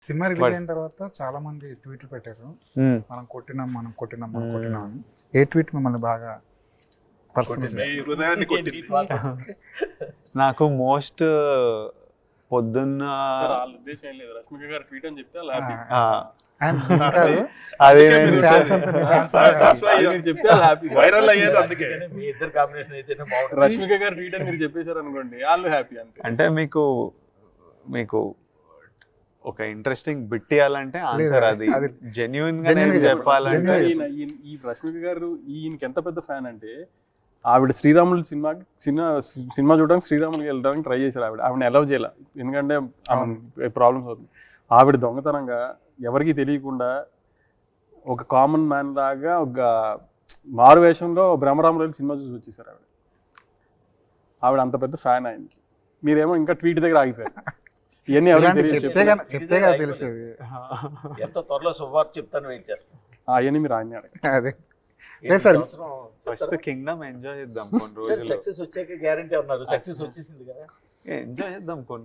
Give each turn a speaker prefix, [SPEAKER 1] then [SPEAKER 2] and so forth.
[SPEAKER 1] Cinema release అయిన తర్వాత చాలా మంది ట్వీట్లు పెట్టారు, మనం కొట్టినాం అని. ఏ ట్వీట్ మిమ్మల్ని బాగా పర్సనల్
[SPEAKER 2] నాకు మోస్ట్ పొద్దున్న
[SPEAKER 3] రష్మిక గారు ట్వీట్ అని చెప్తే అలా
[SPEAKER 2] అదే
[SPEAKER 3] వైరల్ అయ్యేది అందుకే. రష్మిక గారు ట్వీట్ అని మీరు చెప్పేశారు అనుకోండి, వాళ్ళు హ్యాపీ అంతే.
[SPEAKER 2] అంటే మీకు ఒక ఇంట్రెస్టింగ్ బిట్ ఇవ్వాలంటే ఆన్సర్ అది జెన్యున్ గా చెప్పాలంటే.
[SPEAKER 3] ఈ రష్మిక గారు ఈయనకి ఎంత పెద్ద ఫ్యాన్ అంటే, ఆవిడ శ్రీరాములు సినిమా చూడడానికి శ్రీరాములకి వెళ్ళడానికి ట్రై చేశారు. ఆవిడని అలౌ చేయాల, ఎందుకంటే ప్రాబ్లమ్స్ అవుతుంది. ఆవిడ దొంగతనంగా ఎవరికి తెలియకుండా ఒక కామన్ మ్యాన్ లాగా ఒక మారు వేషంలో బ్రహ్మరాములు సినిమా చూసి వచ్చేసారు. ఆవిడ అంత పెద్ద ఫ్యాన్ ఆయనకి. మీరేమో ఇంకా ట్వీట్ దగ్గర ఆగిపోయారు. ఇవన్నీ
[SPEAKER 1] చెప్తే తెలిసేది.
[SPEAKER 4] ఎంత త్వరలో శుభవార్త చెప్తాను, వెయిట్ చేస్తాను.
[SPEAKER 3] అవన్నీ మీరు ఆయన
[SPEAKER 1] అదే
[SPEAKER 2] ఫస్ట్ కింగ్డమ్ ఎంజాయ్ చేద్దాం కొన్ని రోజులు.
[SPEAKER 4] సక్సెస్ వచ్చాక గ్యారంటీ ఉన్నారు, సక్సెస్ వచ్చేసింది కదా,
[SPEAKER 2] ఎంజాయ్ చేద్దాం కొన్ని